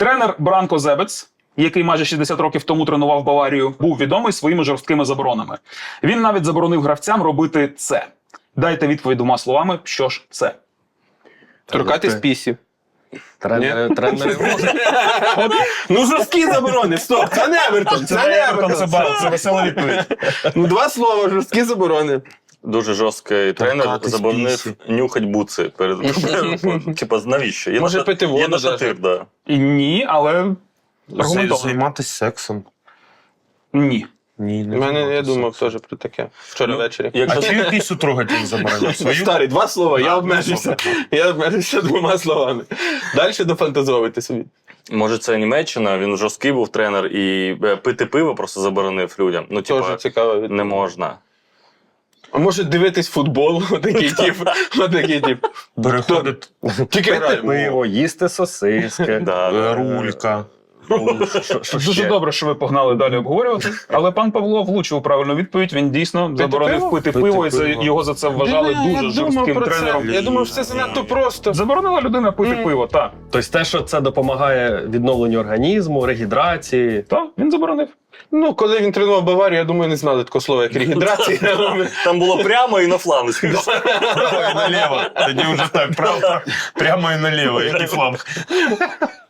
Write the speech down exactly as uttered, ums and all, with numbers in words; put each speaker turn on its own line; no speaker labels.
Тренер Бранко Зебец, який майже шістдесят років тому тренував Баварію, був відомий своїми жорсткими заборонами. Він навіть заборонив гравцям робити це. Дайте відповідь двома словами, що ж це.
Торкатись пісів.
Тренери, тренери можуть.
Ну, жорсткі заборони, стоп, це не Евертон, це не Евертон.
Це, це весела відповідь.
Ну, два слова, жорсткі заборони.
Дуже жорсткий тренер
Торкатись
заборонив
пісі.
нюхать буци перед типа навіщо? Є
Може,
на-
пити воду
Є на
даже.
шатир, да.
І ні, але аргументовано.
Займатися сексом.
Ні.
Ні, не
У мене, я
займатися
думав
сексом.
теж про таке. Вчора ввечері.
А
Якщо
чию пісю трогати він забороняв? Свою?
Старий, два слова, я
А,
обмежився.
ну,
Я обмежився двома словами. Далі дофантазовуйте собі.
може це Німеччина, він жорсткий був тренер і е, пити пиво просто заборонив людям. Ну, типа,
Теж цікаво.
не можна.
А може дивитись футбол, отакий тип. Отакий тип.
Переходить
Тільки граємо.
пиво, їсти сосиски,
Да, да.
рулька. Ну, що- що
Дуже
ще?
добре, що ви погнали далі обговорювати. Але пан Павло влучив правильну відповідь. Він дійсно заборонив
пиво?
пити
Пити
пиво, і за-
пиво.
його за це вважали
Бля, я
дуже
думав
жорстким
про це.
тренером.
Я думав, що це занадто просто.
Заборонила людина пити
Мгм.
пиво, так.
Тобто те, що це допомагає відновленню організму, регідрації.
Так, він заборонив.
Ну, коли він тренував Баварію, я думаю, не знали такого слова, як регідрація.
Там було прямо і на фланг.
Право і наліво. Тоді вже так, право, прямо і наліво, як і фланг.